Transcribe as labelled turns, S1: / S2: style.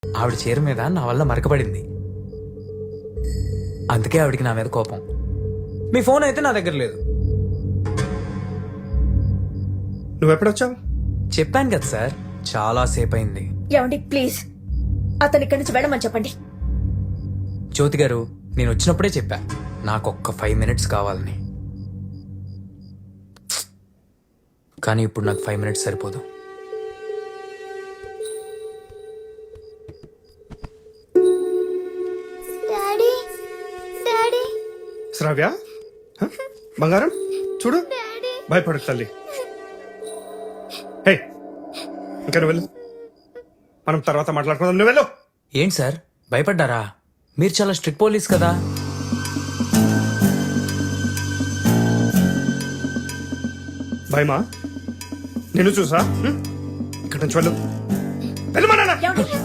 S1: ఆవిడ చీర మీద నా వల్ల మరకబడింది. అందుకే ఆవిడికి నా మీద కోపం. మీ ఫోన్ అయితే నా దగ్గర లేదు.
S2: నువ్వెప్పుడొచ్చావు?
S1: చెప్పాను కదా సార్, చాలా సేపు అయింది.
S3: ఏమండి ప్లీజ్ అతని ఇక్కడి నుంచి వెళ్ళమని చెప్పండి.
S1: జ్యోతి గారు, నేను వచ్చినప్పుడే చెప్పా నాకు ఒక్క 5 minutes కావాలని. కానీ ఇప్పుడు నాకు 5 minutes సరిపోదు.
S4: డాడీ డాడీ
S2: శ్రావ్య, హ? బంగారం చూడు, భయపడకు తల్లి. హే, ఇంకా నువ్వు వెళ్ళు, మనం తర్వాత మాట్లాడుకుందాం. నువ్వు వెళ్ళు.
S1: ఏంటి సార్ భయపడ్డారా? మీరు చాలా స్ట్రిక్ట్ పోలీస్ కదా.
S2: భయమా? నేను చూసా. ఇక్కడి నుంచి వెళ్ళు. వెళ్ళు మా నాన్న.
S3: ఏమండి